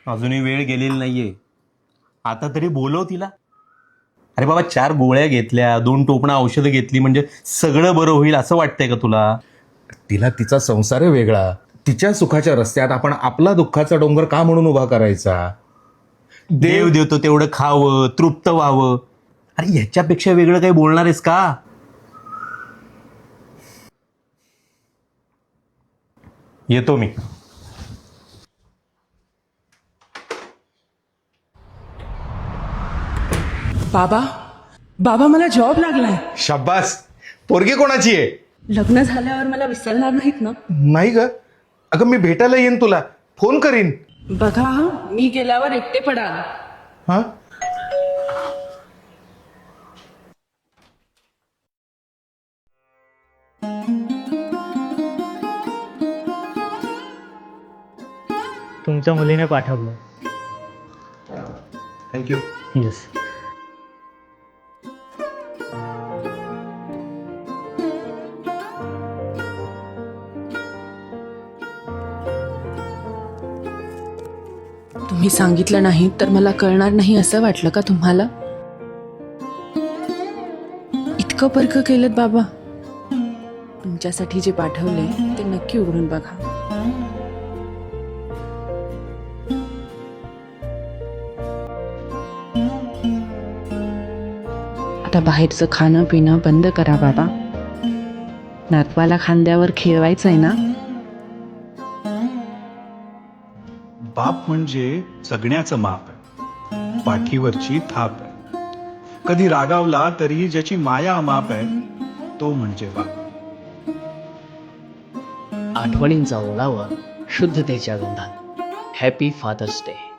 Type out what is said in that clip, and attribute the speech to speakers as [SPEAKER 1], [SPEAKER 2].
[SPEAKER 1] अजूनही वेळ गेलेली नाहीये. आता तरी बोलव तिला. अरे बाबा, 4 गोळ्या घेतल्या, 2 टोपणा औषधं घेतली म्हणजे सगळं बरं होईल असं वाटतंय का तुला?
[SPEAKER 2] तिला तिचा संसार आहे वेगळा. तिच्या सुखाच्या रस्त्यात आपण आपला दुःखाचा डोंगर का म्हणून उभा करायचा?
[SPEAKER 1] देव देतो तेवढं खावं, तृप्त व्हावं. अरे ह्याच्यापेक्षा वेगळं काही बोलणार आहेस का? येतो मी.
[SPEAKER 3] बाबा बाबा मला जॉब लागलाय.
[SPEAKER 2] शाब्बास. पोरगी कोणाची आहे?
[SPEAKER 3] लग्न झाल्यावर मला विसरणार नाहीत ना?
[SPEAKER 2] नाही ग. अगं मी भेटायला येईन तुला, फोन करीन.
[SPEAKER 3] बघा हा, मी गेल्यावर एकटे पडाल.
[SPEAKER 2] हा.
[SPEAKER 4] तुमच्या मुलीने पाठवलं.
[SPEAKER 2] थँक्यू.
[SPEAKER 4] येस.
[SPEAKER 3] तुम्ही सांगितलं नाही तर मला कळणार नाही असं वाटलं का तुम्हाला? इतकं परक केलं बाबा. तुमच्यासाठी जे पाठवले ते नक्की उघडून बघा. आता बाहेरचं खाणं पिणं बंद करा बाबा. नातवाला खांद्यावर खेळवायचंय ना.
[SPEAKER 5] बाप म्हणजे जगण्याचं माप आहे, पाठीवरची थाप आहे. कधी रागावला तरी ज्याची माया अमाप आहे तो म्हणजे बाप.
[SPEAKER 4] आठवणींचा ओलावा शुद्धतेच्या गंधात. Happy father's day.